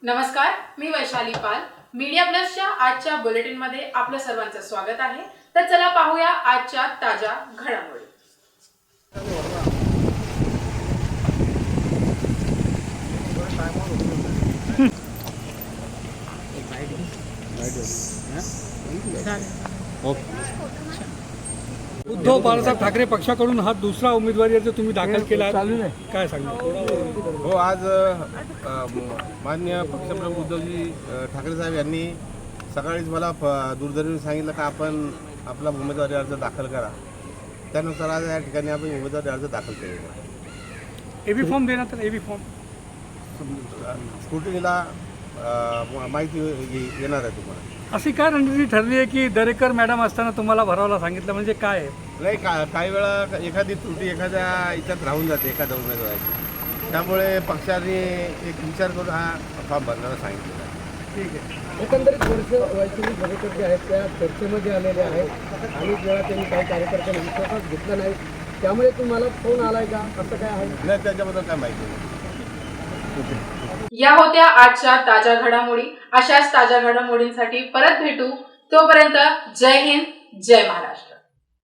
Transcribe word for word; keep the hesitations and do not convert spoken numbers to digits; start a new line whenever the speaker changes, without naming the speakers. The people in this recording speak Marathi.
नमस्कार, मी वैशाली पाल. मीडिया प्लसच्या आजच्या बुलेटिन मध्ये आपलं सर्वांचं स्वागत आहे. तर चला पाहूया आजच्या ताज्या घडामोडी.
उद्धव बाळासाहेब ठाकरे पक्षाकडून हा दुसरा उमेदवारी अर्ज तुम्ही दाखल केला, काय सांगणार?
हो, आज अ, माननीय पक्षप्रमुख उद्धवजी अ, ठाकरे साहेब यांनी सकाळीच मला फ- दूरध्वनीवर सांगितलं का आपण आपला उमेदवारी अर्ज दाखल करा. त्यानुसार आज या ठिकाणी आपण उमेदवारी अर्ज दाखल केलेला आहे.
एबी फॉर्म देण्यात एबी फॉर्म
स्क्रुटिनीला अ, माहिती ये- येणार आहे तुम्हाला.
अशी काय रणनीती ठरली आहे की दरेकर मॅडम असताना तुम्हाला भरावाला सांगितलं, म्हणजे काय आहे?
नाही, का काही वेळा एखादी त्रुटी एखाद्या याच्यात राहून जाते एखाद्या उमेदवाराची. त्यामुळे पक्षाने एक विचार करून हा फॉर्म भरण्याला सांगितलेला आहे.
ठीक आहे.
एकंदरीत वर्ष वैशाली दरेकर जे आहेत त्या चर्चेमध्ये आलेले आहेत. अनेक वेळा त्यांनी काही कार्यकर्त्यांना विश्वासात घेतलं नाही, त्यामुळे तुम्हाला फोन आलाय का, असं काय आहे?
नाही, त्याच्याबद्दल काय माहिती नाही.
या होत्या आजच्या ताज्या घडामोडी. अशाच ताज्या घडामोडींसाठी परत भेटू. तोपर्यंत जय हिंद, जय महाराष्ट्र.